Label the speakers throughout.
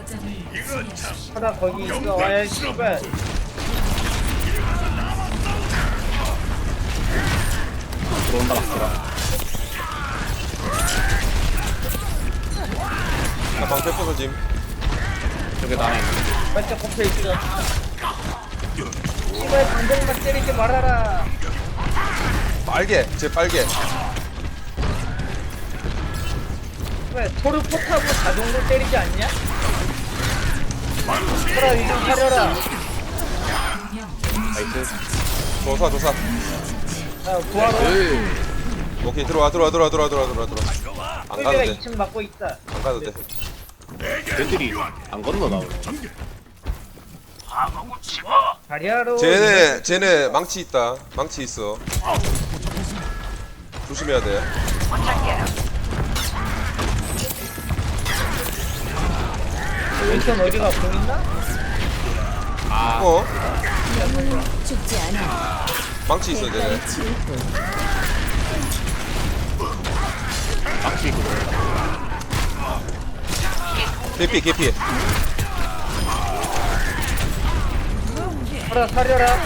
Speaker 1: 하다 거기 있어. 와야 씨발.
Speaker 2: 들어온다 막더라.
Speaker 3: 나 방패 부서짐.
Speaker 2: 저기 나네.
Speaker 1: 반짝 꼽혀 있어. 씨발 방정만 때리지 말아라.
Speaker 3: 빨개, 제 빨개.
Speaker 1: 왜 토르 포탑으로 자동으로 때리지 않냐? 그라 이좀 사려라.
Speaker 2: 나이스.
Speaker 3: 조사, 조사.
Speaker 1: 야 구하러.
Speaker 3: 오케이, 들어와. 안 가도
Speaker 1: 내가
Speaker 3: 돼.
Speaker 1: 2층 막고 있다.
Speaker 3: 안 가도 돼.
Speaker 2: 애들이 안 건너 나오네.
Speaker 1: 다리아로.
Speaker 3: 쟤네 망치 있다. 망치 있어. 조심해야 돼.
Speaker 1: 왼손 어디가 보인다?
Speaker 3: 어?
Speaker 4: 죽지 않아.
Speaker 3: 망치 있어, 쟤네.
Speaker 2: 막히 그거.
Speaker 3: 개피.
Speaker 1: 그라 사려라.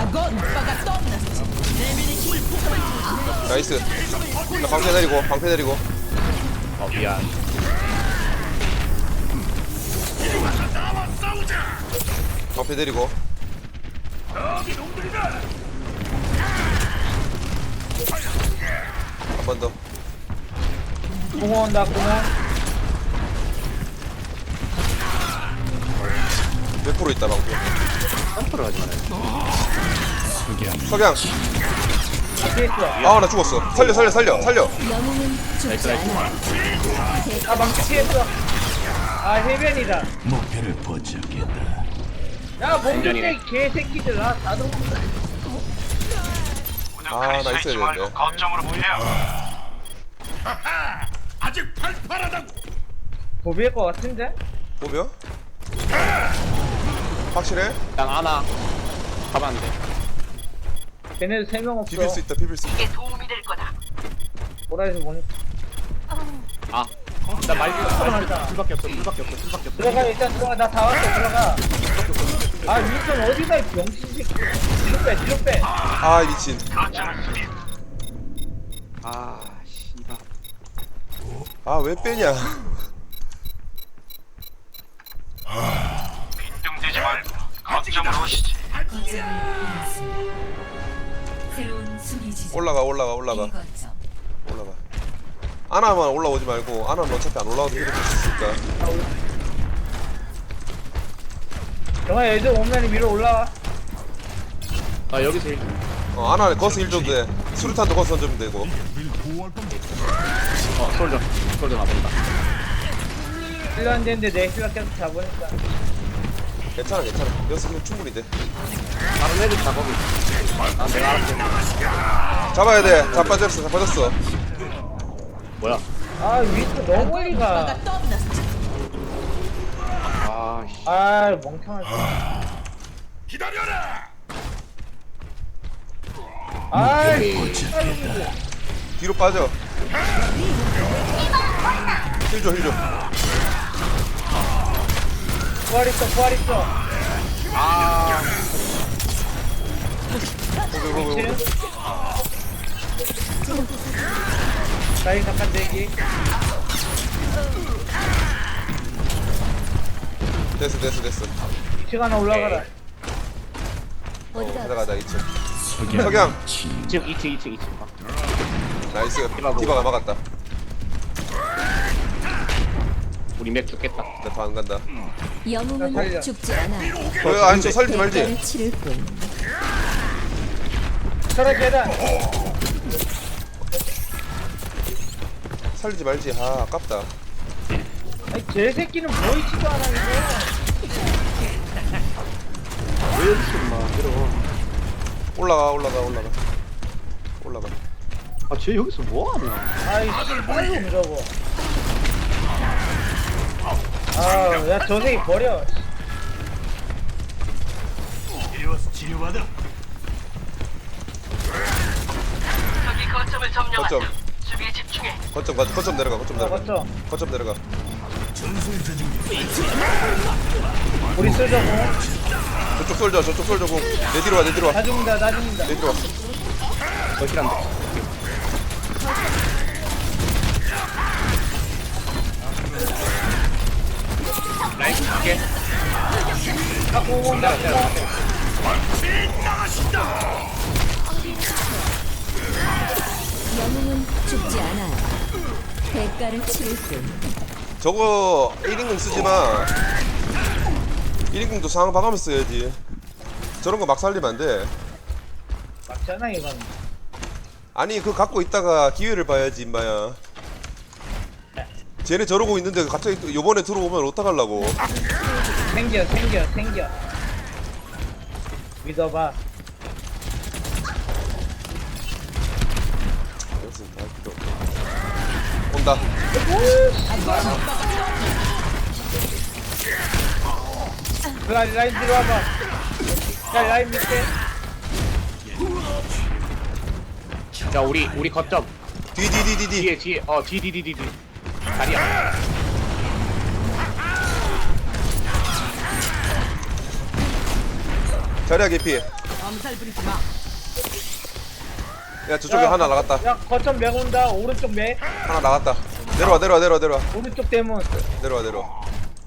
Speaker 3: 나이스. 나 방패 내리고.
Speaker 2: 미안.
Speaker 3: 방패 내리고. 한 번 더.
Speaker 1: 공원 온다 공원.
Speaker 3: 몇 프로 있다, 방패.
Speaker 2: 점프를 하지 말아요.
Speaker 3: 석양.
Speaker 1: 앞에 있어.
Speaker 3: 아, 나 죽었어. 살려.
Speaker 4: 영웅은 죽지 않아.
Speaker 1: 아 망치 피했어. 아 해변이다.
Speaker 5: 목표를 포착했다.
Speaker 1: 야 뭔데 이 개새끼들. 아 나도.
Speaker 3: 아, 나 있어야 되는데.
Speaker 6: 거점으로 보내요. 아직 팔팔하다고.
Speaker 1: 도비일 것 같은데?
Speaker 3: 보며? 확실해?
Speaker 2: 일단 하나 가면 안 돼.
Speaker 1: 걔네도 3명 없어.
Speaker 3: 비빌 수 있다.
Speaker 6: 이게 도움이 될 거다.
Speaker 1: 보라에서 못.
Speaker 2: 아, 나 말기가
Speaker 1: 들어간다.
Speaker 2: 불밖에 없어.
Speaker 1: 들어가 일단 들어가. 나 다 왔어. 들어가. 아 윈선 어디가 이 병신 새끼. 뒤로 빼.
Speaker 3: 아, 미친.
Speaker 6: 거점을 수비.
Speaker 2: 아, 씨발.
Speaker 3: 아, 왜 빼냐?
Speaker 6: 빈둥대지 말고 거점으로 오시지.
Speaker 4: 새로운 수비 지점.
Speaker 3: 올라가.
Speaker 4: 거점.
Speaker 3: 올라가. 아나만 올라오지 말고. 아나는 어차피 안 올라와도 힐을 줄수 있으니까.
Speaker 1: 영아 애들 오면 위로 올라와.
Speaker 2: 아, 여기서 일.
Speaker 3: 아나는 거스 힐 줘도 돼. 수류탄도 거스 던지면 되고.
Speaker 2: 솔져 나본다.
Speaker 1: 힐러 안 되는데 내 힐러 계속 잡으니까.
Speaker 3: 괜찮아. 여기서 충분히 돼.
Speaker 2: 다른 애들 다 거기. 아, 내가 알았어.
Speaker 3: 잡아야 돼. 자빠졌어.
Speaker 2: 뭐야?
Speaker 1: 아 윈선 너무 멀리 가.
Speaker 2: 아, 씨.
Speaker 1: 아 멍청하지.
Speaker 6: 기다려라.
Speaker 1: 아이
Speaker 3: 뒤로 빠져. 힐 줘.
Speaker 1: 부활 있어.
Speaker 2: 아,
Speaker 1: 미치는? 나이 잠깐 대기.
Speaker 3: 됐어.
Speaker 1: 2층 하나 올라가라.
Speaker 4: 어디가
Speaker 3: 가자 2층. 석양.
Speaker 2: 2층.
Speaker 3: 나이스. 디바가 막았다.
Speaker 2: 우리 맥 죽겠다.
Speaker 3: 나 더 안 간다.
Speaker 1: 나
Speaker 4: 영웅은
Speaker 1: 살려.
Speaker 4: 죽지 않아.
Speaker 3: 아니 저 살리지 말지.
Speaker 4: 대가를 치를 뿐.
Speaker 1: 철학 계단.
Speaker 3: 살리지 말지. 아, 아깝다.
Speaker 1: 아니 개새끼는 보이지도 않아 이거.
Speaker 2: 왜 여기서 임마 들어.
Speaker 3: 올라가.
Speaker 2: 아, 쟤 여기서 뭐 하냐?
Speaker 1: 아이 씨발로 저거. 아야 저 새끼 버려.
Speaker 6: 이리 와서 치료받아. 저기 거점을 점령한다.
Speaker 3: 거점.
Speaker 6: 수비에 집중해.
Speaker 3: 거점 내려가.
Speaker 1: 맞죠?
Speaker 3: 거점 내려가.
Speaker 1: 우리 쏠자고.
Speaker 3: 저쪽 솔져 저쪽 솔져 공내 뒤로 와내 뒤로
Speaker 1: 나 죽는다, 나 죽는다.
Speaker 3: 와내 뒤로 와
Speaker 2: 멋이란데. 라인 갈게.
Speaker 1: 갖고 온다.
Speaker 4: 영웅은 죽지 않아요. 대가를 치를 뿐.
Speaker 3: 저거 1인공 쓰지마 1인공도 상황 봐가면서 써야지 저런 거 막 살리면 안돼
Speaker 1: 맞잖아, 이건.
Speaker 3: 아니 그거 갖고 있다가 기회를 봐야지 임마야 쟤네 저러고 있는데 갑자기 또 요번에 들어오면 어떡하려고
Speaker 1: 생겨. 믿어봐.
Speaker 3: 온다
Speaker 1: 라인 들어와봐. 야, 라인 밑에.
Speaker 2: 자 우리 거점
Speaker 3: 뒤
Speaker 2: 뒤에 뒤 다리야.
Speaker 3: 자리야 개피 야 저쪽에 하나 나갔다
Speaker 1: 야, 거점 맥 온다. 오른쪽 맥.
Speaker 3: 하나 나갔다 내려와
Speaker 1: 오른쪽 대문.
Speaker 3: 내려와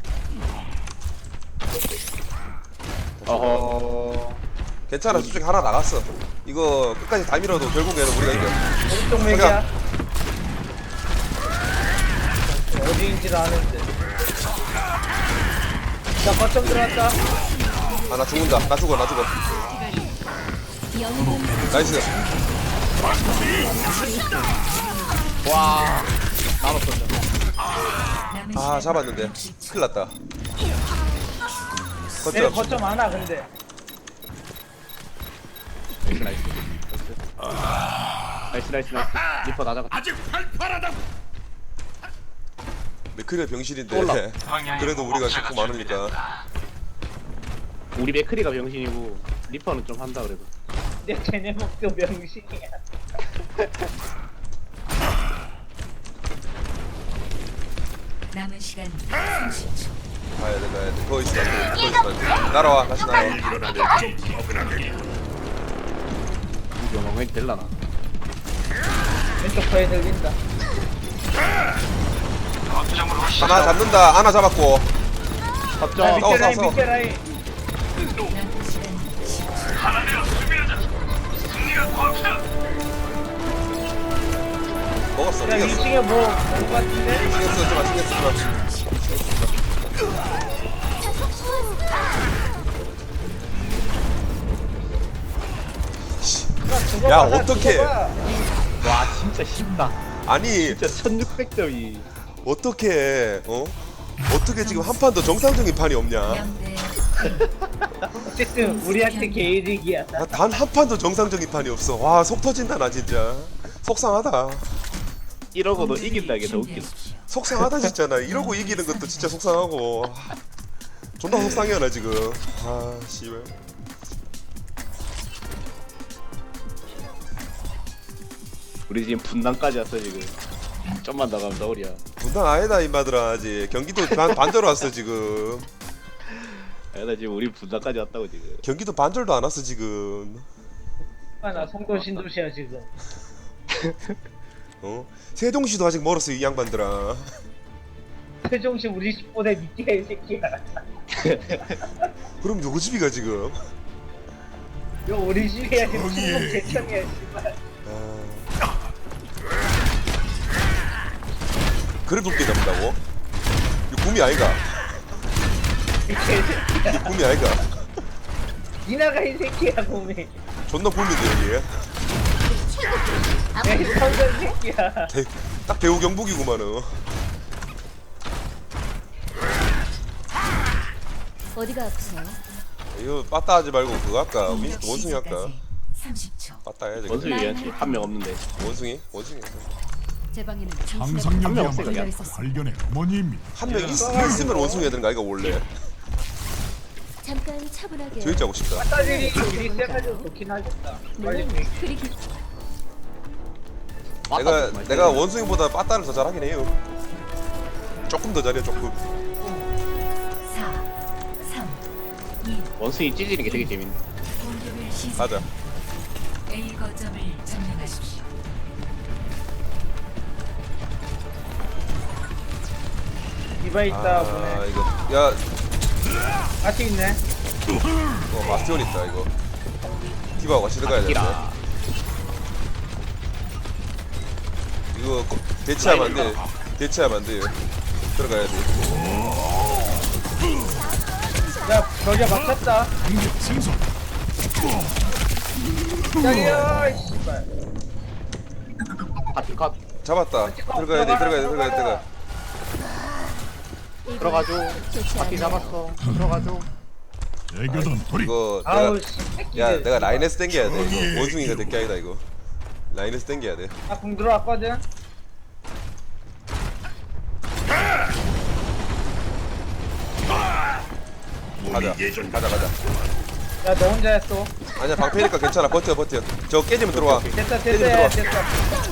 Speaker 2: 어허.
Speaker 3: 괜찮아 저쪽에 하나 나갔어 이거 끝까지 다 밀어도 결국에는 우리가 이겨
Speaker 1: 오른쪽 맥이야. 어디인지를 아는데. 자, 거점 들어왔다.
Speaker 3: 아 나 죽는다 나 죽어
Speaker 4: 영웅은
Speaker 3: 나이스
Speaker 2: 와. 나도 쏜다.
Speaker 3: 아 잡았는데 큰일났다
Speaker 1: 내가
Speaker 3: 거점
Speaker 1: 거점 안 와, 근데.
Speaker 2: 나이스. 리퍼 나 잡았다.
Speaker 6: 아직 팔팔하다.
Speaker 3: 맥크리가 병신인데
Speaker 2: 올라.
Speaker 3: 그래도 우리가 좋고 많으니까
Speaker 2: 우리 맥크리가 병신이고 리퍼는 좀 한다 그래도.
Speaker 1: 근데 쟤네 목표 명식이야.
Speaker 4: 남은 시간 30초.
Speaker 3: 가야 돼 거기 있으면 안돼 날아와 다시 날아와
Speaker 2: 우리 영웅이 될라나.
Speaker 1: 왼쪽 거에 들린다.
Speaker 6: 거점으로 오시죠.
Speaker 3: 하나 잡는다 하나 잡았고
Speaker 1: 야,
Speaker 2: 거점.
Speaker 1: 밑에 라인,
Speaker 3: 싸워.
Speaker 1: 밑에 라인.
Speaker 4: 남은 시간 10초.
Speaker 6: 하나되어 수비하자. 승리가 코앞이다.
Speaker 3: 먹었어
Speaker 1: 야,
Speaker 3: 이겼어
Speaker 1: 2층에 뭐, 올 것 같은데?
Speaker 3: 신경
Speaker 1: 죽어봐,
Speaker 3: 야,
Speaker 1: 나
Speaker 3: 어떡해.
Speaker 1: 죽어봐.
Speaker 2: 와 진짜 쉽다.
Speaker 3: 아니
Speaker 2: 진짜 1600점이.
Speaker 3: 어떻게 어떻게 지금 한 판 더 정상적인 판이 없냐
Speaker 4: 영대
Speaker 1: 어쨌든, 우리한테 개이득이야.
Speaker 3: 단 한 판도 정상적인 판이 없어 와 속 터진다 나 진짜 속상하다
Speaker 2: 이러고도 이긴다 이게 더 웃기다.
Speaker 3: 속상하다 진짜 나 이러고 이기는 것도 진짜 속상하고 존나 속상해 나 지금 아 씨발
Speaker 2: 우리 지금 분당까지 왔어 지금. 좀만 더 가면 서울이야.
Speaker 3: 분당 아니다 임마들아 아직 경기도 반절 왔어 지금
Speaker 2: 나 지금 우리 분당까지 왔다고 지금.
Speaker 3: 경기도 반절도 안 왔어 지금
Speaker 1: 나 성도 신도시야, 지금.
Speaker 3: 세종시도 아직 멀었어 이 양반들아
Speaker 1: 세종시 우리 집보다 밑에 이 새끼야.
Speaker 3: 그럼 누구 집이가 지금
Speaker 1: 이거 우리 집이야, 지금 충북 제천이야, 씨발.
Speaker 3: 그래 높게 잡는다고? 이거 구미 아이가?
Speaker 1: 이 개새끼야.
Speaker 3: 이거 구미 아이가?
Speaker 1: 이나가 이 새끼야, 곰이.
Speaker 3: 존나 굶인데 여기
Speaker 1: 야, 이 성전 새끼야.
Speaker 3: 딱 배우 경북이구만은
Speaker 4: 어디가 아프세요?
Speaker 3: 이거 빠따 하지 말고 그거 할까? 원숭이 할까?
Speaker 4: 30초.
Speaker 3: 빠따 해야지
Speaker 2: 원숭이 해야지. 한 명 없는데.
Speaker 3: 원숭이?
Speaker 4: 제 방에는
Speaker 6: 상상력이야말로
Speaker 2: 없어요.
Speaker 6: 발견의 어머니입니다.
Speaker 3: 한 명 있으면 원숭이 해야 되는 거 아이가 원래
Speaker 4: 잠깐 차분하게.
Speaker 3: 조용히 하고 싶다
Speaker 1: 따질이 우리 세가지고 좋긴 하겠다. 빨리
Speaker 4: 물론 그리 깊.
Speaker 3: 내가 원숭이보다 빠따를 더 잘하긴 해요 조금 더 잘해 조금.
Speaker 4: 4, 3, 2,
Speaker 2: 원숭이 찢어지는 게 되게 재밌네.
Speaker 4: 공격을 시작.
Speaker 3: 가자.
Speaker 4: A 거점을 점령하십시오.
Speaker 1: 디바 있다 보네.
Speaker 3: 아 이거 야
Speaker 1: 같이 있네.
Speaker 3: 마스티온 있다 이거. 디바가 같이 들어가야 돼.
Speaker 2: 기라.
Speaker 3: 이거 대체하면 안 돼. 대체하면 안 돼요. 들어가야 돼.
Speaker 1: 야 벽에 막혔다.
Speaker 6: 공격 생성.
Speaker 1: 야야 씨발.
Speaker 2: 파티 컷.
Speaker 3: 잡았다. 들어가야 돼. 들어가.
Speaker 2: 들어가줘.
Speaker 4: 좋지
Speaker 2: 파티
Speaker 4: 않아요.
Speaker 2: 잡았어. 들어가줘.
Speaker 6: 애교던 돌이.
Speaker 3: 이거
Speaker 1: 아우
Speaker 3: 내가
Speaker 1: 씨.
Speaker 3: 야 내가 라인에서 땡겨야 돼. 이거 원숭이가 될 게 아니다 이거. 라인에서 땡겨야 돼.
Speaker 1: 나궁 들어왔거든.
Speaker 3: 가자.
Speaker 1: 야 너 혼자 했어.
Speaker 3: 아니야 방패니까 괜찮아. 버텨. 저 깨지면 들어와.
Speaker 1: 됐다
Speaker 3: 들어와.
Speaker 1: 됐다.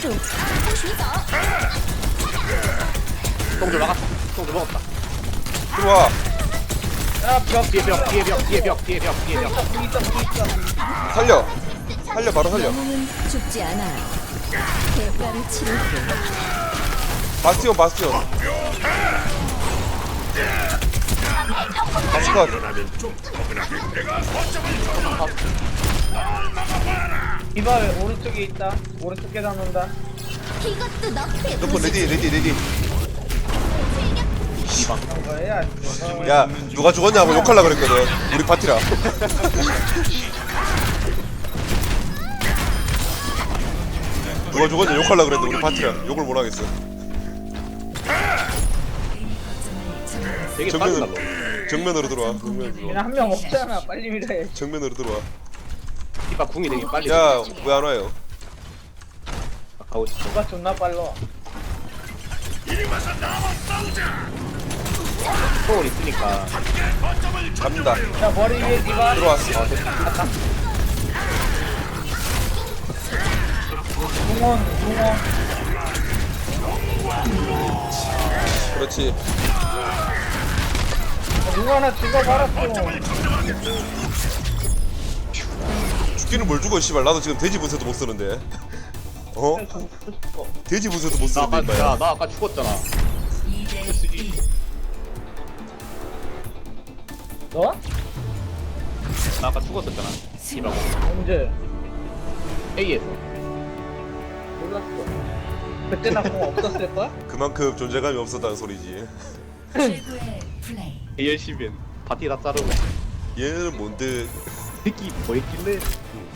Speaker 2: 똥줄 막았다. 똥줄 먹었다.
Speaker 3: 들어와.
Speaker 1: 야벽
Speaker 2: 뒤에 벽. 뒤에 벽.
Speaker 1: 궁 있어.
Speaker 3: 살려 바로 살려.
Speaker 4: 영웅은 죽지 않아요. 대가를 치르고
Speaker 3: 바스티온. 바스컷.
Speaker 1: 디바 왜 오른쪽에 있다. 오른쪽 계단 온다.
Speaker 4: 이것도 너의
Speaker 3: 너프 레디.
Speaker 1: 그런 거야.
Speaker 3: 야 누가 죽었냐고 욕하려 그랬거든. 우리 파티라. 누가 죽었냐 욕하려 그랬는데 우리 파티라. 욕을 못 하겠어.
Speaker 2: 되게 빠르다.
Speaker 3: 정면으로 들어와.
Speaker 1: 그냥 한 명 없잖아. 빨리 밀어야.
Speaker 3: 정면으로 들어와.
Speaker 2: 디바 궁이 되게 빨리.
Speaker 3: 야 왜 안 와요?
Speaker 2: 가고 싶어.
Speaker 1: 디바 존나 빨라.
Speaker 2: 똥을 있으니까.
Speaker 3: 갑니다.
Speaker 1: 야 머리 위에 디바.
Speaker 3: 들어왔어.
Speaker 1: 궁원.
Speaker 3: 그렇지.
Speaker 1: 누구 하나 죽어버렸어.
Speaker 3: 죽기는 뭘 죽어 씨발. 나도 지금 돼지 분쇄도 못 쓰는데. 어? 돼지 분쇄도 못
Speaker 2: 나
Speaker 3: 쓰는데
Speaker 2: 아까,
Speaker 3: 임마야.
Speaker 2: 나 아까 죽었잖아.
Speaker 4: 2대 1.
Speaker 1: 너?
Speaker 2: 나 아까 죽었었잖아. 디바고.
Speaker 1: 언제?
Speaker 2: A에서.
Speaker 1: 몰랐어. 그때 나 공 없었을 거야?
Speaker 3: 그만큼 존재감이 없었다는 소리지.
Speaker 4: 최고의 플레이.
Speaker 2: A 열심히 파티 다 자르고.
Speaker 3: 얘는 뭔데?
Speaker 2: 새끼 뭐 했길래?